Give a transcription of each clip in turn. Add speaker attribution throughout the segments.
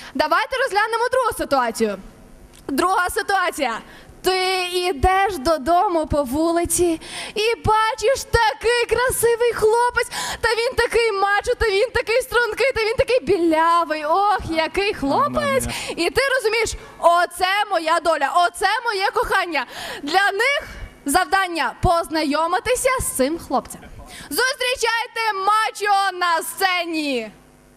Speaker 1: Давайте розглянемо другу ситуацію. Друга ситуація. Ти йдеш додому по вулиці і бачиш такий красивий хлопець, та він такий мачо, та він такий стрункий, та він такий білявий. Ох, який хлопець. І ти розумієш, оце моя доля, оце моє кохання. Для них завдання познайомитися з цим хлопцем. Зустрічайте мачо на сцені.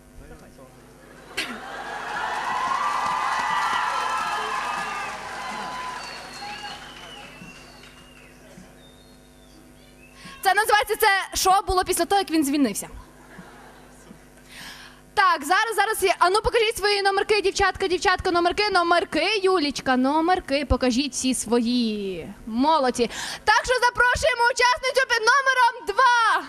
Speaker 1: Це називається, це шоу було після того, як він звільнився. Так, зараз є. А ну покажіть свої номерки, дівчатка, номерки, Юлічка, номерки, покажіть всі свої. Молодці. Так що запрошуємо учасницю під номером 2.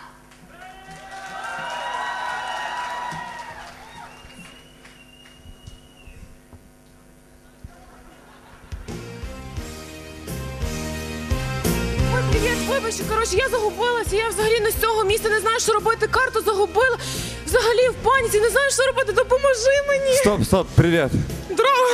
Speaker 2: Привіт, вибачте, коротше, я загубилася, я взагалі не з цього місця, не знаю, що робити, карту загубила, взагалі в паніці, не знаю, що робити, допоможи мені.
Speaker 3: Стоп, привіт.
Speaker 2: Здорово.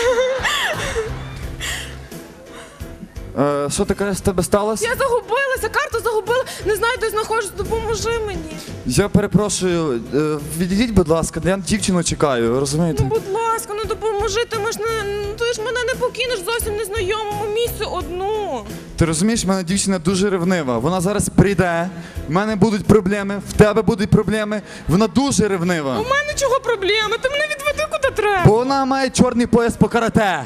Speaker 3: Що ти кажеш, з тебе сталося?
Speaker 2: Я загубилася, карту загубила, не знаю, де знаходжусь, допоможи мені.
Speaker 3: Я перепрошую, відійдіть, будь ласка, я дівчину чекаю, розумієте?
Speaker 2: Ну, будь ласка, ну допоможи, ти ж мене не покинеш зовсім незнайомому місцю одну.
Speaker 3: Ти розумієш, в мене дівчина дуже ревнива, вона зараз прийде, в мене будуть проблеми, в тебе будуть проблеми, вона дуже ревнива.
Speaker 2: У мене чого проблеми, ти мене відведи куди треба.
Speaker 3: Бо вона має чорний пояс по карате.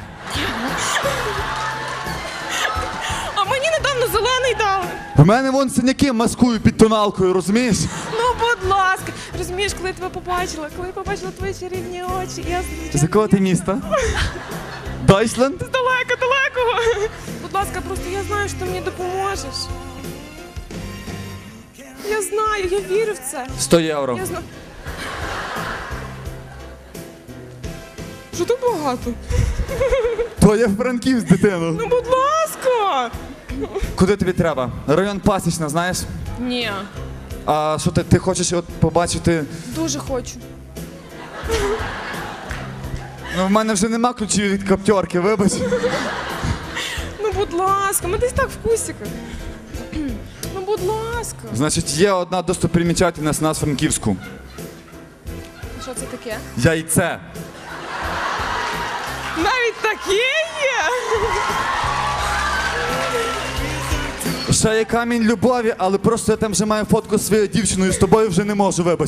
Speaker 2: А мені недавно зелений дали.
Speaker 3: В мене вон синяки маскую під тоналкою, розумієш?
Speaker 2: Ну, будь ласка. Розумієш, коли я тебе побачила, твої чарівні очі, я
Speaker 3: З якого ти міста? Дайсленд?
Speaker 2: далекого. Будь ласка, просто я знаю, що ти мені допоможеш. Я знаю, я вірю в це.
Speaker 3: 100 євро.
Speaker 2: Я знаю. Що так багато?
Speaker 3: То я Франківськ, дитину.
Speaker 2: Ну, будь ласка.
Speaker 3: Куди тобі треба? Район Пасічна, знаєш?
Speaker 2: Ні,
Speaker 3: А що ти хочеш от побачити?
Speaker 2: дуже хочу.
Speaker 3: Ну, в мене вже нема ключів від каптьорки, вибач.
Speaker 2: Ну, будь ласка, ми десь так в кусиках. Ну, будь ласка.
Speaker 3: Значить, є одна достопримічательність у нас в Франківську.
Speaker 2: Що це таке?
Speaker 3: Яйце.
Speaker 2: Навіть таке є?
Speaker 3: Ще є камінь любові, але просто я там вже маю фотку з своєю дівчиною, з тобою вже не можу, вибач.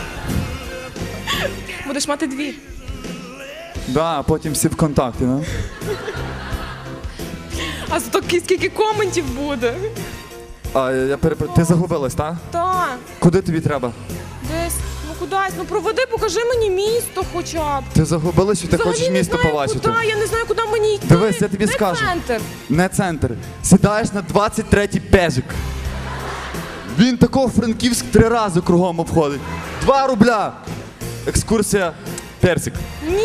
Speaker 2: Будеш мати дві.
Speaker 3: Да, а потім всі в контакті, ну.
Speaker 2: А зато скільки коментів буде.
Speaker 3: А я перепрошую, ти загубилась, так?
Speaker 2: Так,
Speaker 3: Куди тобі треба?
Speaker 2: десь, ну кудись, ну проведи, покажи мені місто хоча б.
Speaker 3: Ти загубилась, чи ти
Speaker 2: Взагалі
Speaker 3: хочеш
Speaker 2: не
Speaker 3: місто
Speaker 2: знаю,
Speaker 3: побачити?
Speaker 2: Куди, я не знаю, куди мені йти.
Speaker 3: Дивись, я тобі
Speaker 2: Де
Speaker 3: скажу.
Speaker 2: центр?
Speaker 3: Не центр. Сідаєш на 23-й пежик. Він такого Франківськ 3 рази кругом обходить. 2 рубля. Екскурсія Персик.
Speaker 2: Ні.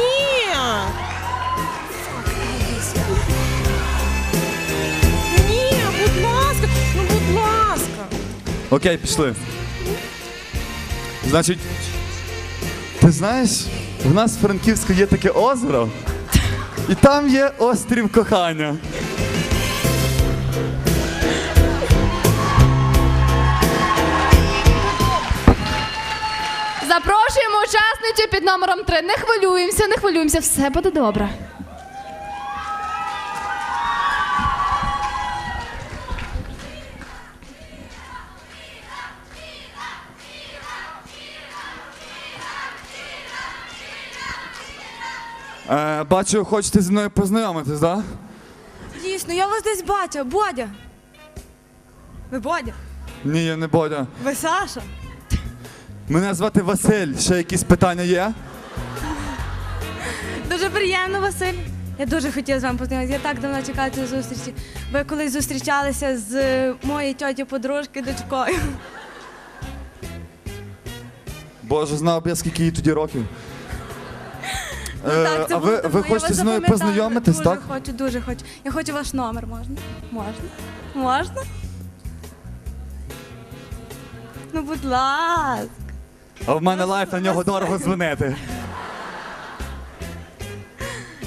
Speaker 2: Ні, будь ласка, ну будь ласка.
Speaker 3: Окей, пішли. Значить, ти знаєш, в нас в Франківську є таке озеро, і там є острів кохання.
Speaker 1: Запрошуємо учасницю під номером 3. Не хвилюємося, все буде добре.
Speaker 3: Бачу, хочете зі мною познайомитись, так? Да?
Speaker 4: Дійсно, я вас десь бачу. Бодя. Ви Бодя?
Speaker 3: Ні, я не Бодя.
Speaker 4: Ви Саша?
Speaker 3: Мене звати Василь. Ще якісь питання є?
Speaker 4: Дуже приємно, Василь. Я дуже хотіла з вами познайомитися. Я так давно чекала цієї зустрічі. Ви колись зустрічалися з моєю тьоті-подружки дочкою.
Speaker 3: Боже, знав б я, скільки їй тоді років.
Speaker 4: Так, це
Speaker 3: а
Speaker 4: було
Speaker 3: ви
Speaker 4: давно. Я
Speaker 3: хочете
Speaker 4: вас
Speaker 3: зі мною
Speaker 4: запам'ятала.
Speaker 3: познайомитись, так?
Speaker 4: Дуже хочу. Я хочу ваш номер, можна? Можна? Ну, будь ласка.
Speaker 3: А в мене лайф, на нього дорого дзвонити.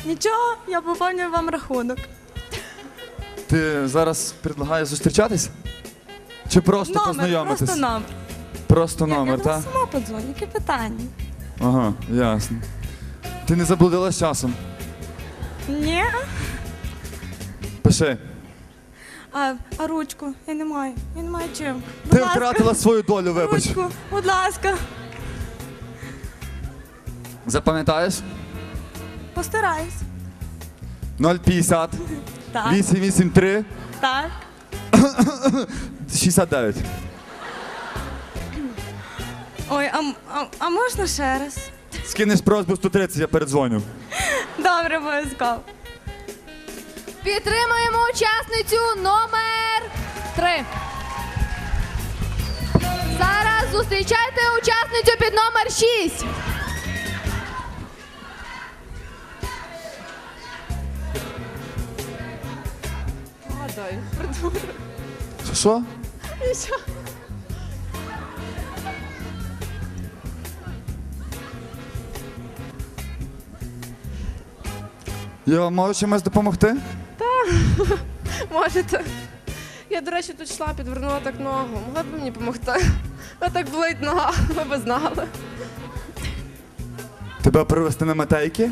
Speaker 4: Нічого, я поповнюю вам рахунок.
Speaker 3: Ти зараз предлагаєш зустрічатись? Чи просто познайомитись?
Speaker 4: Просто номер.
Speaker 3: Просто
Speaker 4: Я
Speaker 3: номер,
Speaker 4: вам
Speaker 3: так?
Speaker 4: сама подзвоню, які питання?
Speaker 3: Ага, ясно. Ти не заблудилась часом?
Speaker 4: Ні.
Speaker 3: Пиши.
Speaker 4: А ручку? Я не маю. Я не маю чим. Будь
Speaker 3: Ти
Speaker 4: ласка,
Speaker 3: втратила свою долю, вибач.
Speaker 4: ручку, будь ласка.
Speaker 3: Запам'ятаєш?
Speaker 4: Постараюсь.
Speaker 3: 050
Speaker 4: Так,
Speaker 3: 883
Speaker 4: так.
Speaker 3: 69.
Speaker 4: Ой, а можна ще раз?
Speaker 3: Скинеш просьбу 130, я передзвоню.
Speaker 4: Добре, обов'язково.
Speaker 1: Підтримуємо учасницю номер 3. Зараз зустрічайте учасницю під номер 6.
Speaker 2: Гадай, придурок.
Speaker 3: Що?
Speaker 2: І що?
Speaker 3: Я вам можу чимось допомогти?
Speaker 2: Можете. Я, до речі, тут йшла, підвернула так ногу. Могли б ви мені допомогти? А так болить нога, ви б знали.
Speaker 3: Тебе привезти на метейки?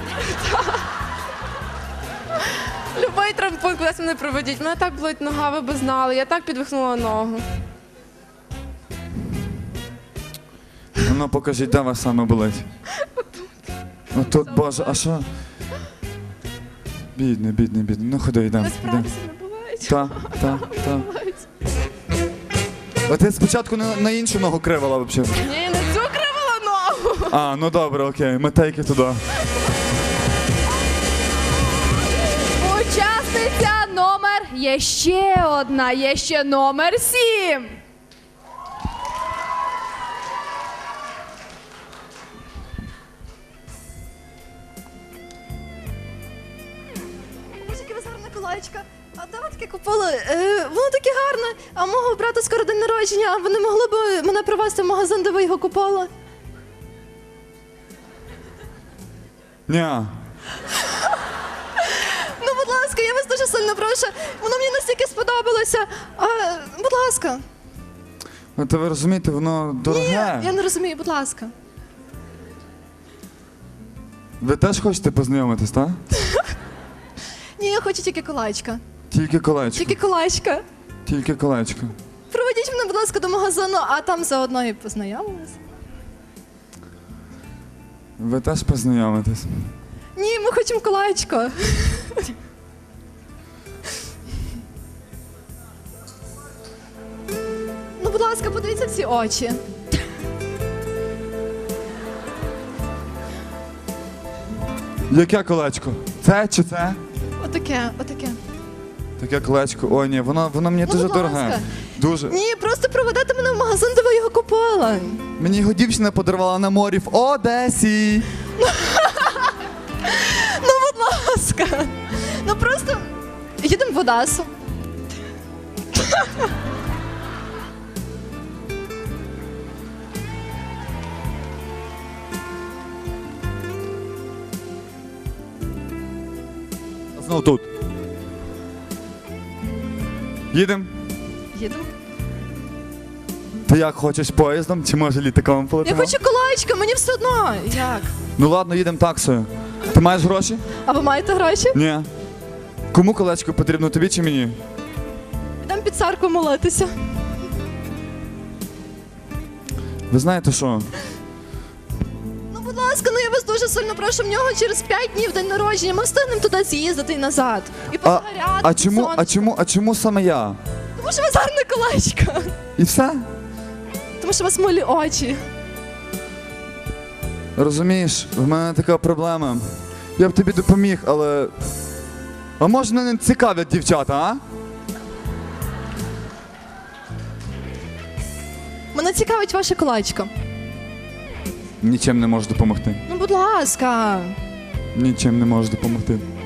Speaker 2: Любий травмпункт кудись мене проведіть. Мене так болить нога, ви б знали. Я так підвихнула ногу.
Speaker 3: Ну покажіть, де вас саме болить. Отут, боже, а що? Бідний. Ну ходи, йдемо.
Speaker 2: Насправді не болить.
Speaker 3: Так.
Speaker 2: Болить.
Speaker 3: А ти спочатку на іншу ногу кривала взагалі.
Speaker 2: Ні, на цю кривила ногу.
Speaker 3: А, ну добре, окей, метейки туди.
Speaker 1: Учасниця номер є ще одна, є ще номер 7.
Speaker 5: Боже, яке у вас гарне колечко. А де ви таке купили? Воно таке гарне. А мого брата скоро день народження. Ви не могли б мене привезти в магазин, де ви його купили?
Speaker 3: Ні.
Speaker 5: Ну, будь ласка, я вас дуже сильно прошу. Воно мені настільки сподобалося. Будь ласка.
Speaker 3: От ви розумієте, воно дороге.
Speaker 5: Я не розумію, будь ласка.
Speaker 3: Ви теж хочете познайомитись, так?
Speaker 5: Ні, я хочу тільки колечка.
Speaker 3: Тільки колечко.
Speaker 5: Тільки колечка.
Speaker 3: Тільки колечко.
Speaker 5: Проведіть мене, будь ласка, до магазину, а там заодно і познайомились.
Speaker 3: Ви теж познайомитесь.
Speaker 5: Ні, ми хочемо колечко. Ну, будь ласка, подивіться в ці очі.
Speaker 3: Яке колечко? Це чи це?
Speaker 5: Отаке, отаке.
Speaker 3: Таке колечко. Ой, ні, воно мені
Speaker 5: Ну,
Speaker 3: дуже
Speaker 5: будь
Speaker 3: дороге.
Speaker 5: ласка.
Speaker 3: Дуже.
Speaker 5: Ні, просто проведете мене в магазин, де ви його купили.
Speaker 3: Мені його дівчина подарувала на морі в Одесі.
Speaker 5: Ну, будь ласка. Ну просто їдемо в Одесу.
Speaker 3: Знов тут. Їдемо.
Speaker 5: Їдемо.
Speaker 3: Ти як хочеш поїздом, чи може літаком
Speaker 5: Я
Speaker 3: полетимо?
Speaker 5: хочу колечко, мені все одно. Як?
Speaker 3: Ну ладно, їдемо таксою. Ти маєш гроші?
Speaker 5: А ви маєте гроші?
Speaker 3: Ні. Кому колечко потрібно, тобі чи мені?
Speaker 5: Йдемо під церкву молитися.
Speaker 3: Ви знаєте що?
Speaker 5: Ну, будь ласка, ну я вас дуже сильно прошу, в нього через 5 днів день народження. Ми встигнемо туди з'їздити і назад. І позагоряти.
Speaker 3: А чому саме я?
Speaker 5: Тому що у вас гарне колечко.
Speaker 3: І все?
Speaker 5: Тому що у вас милі очі.
Speaker 3: Розумієш, в мене така проблема. Я б тобі допоміг, але. А може мене не цікавлять дівчата, а?
Speaker 5: Мене цікавить ваше колечко.
Speaker 3: Нічим не можу допомогти.
Speaker 5: Ну, будь ласка.
Speaker 3: Нічим не можу допомогти.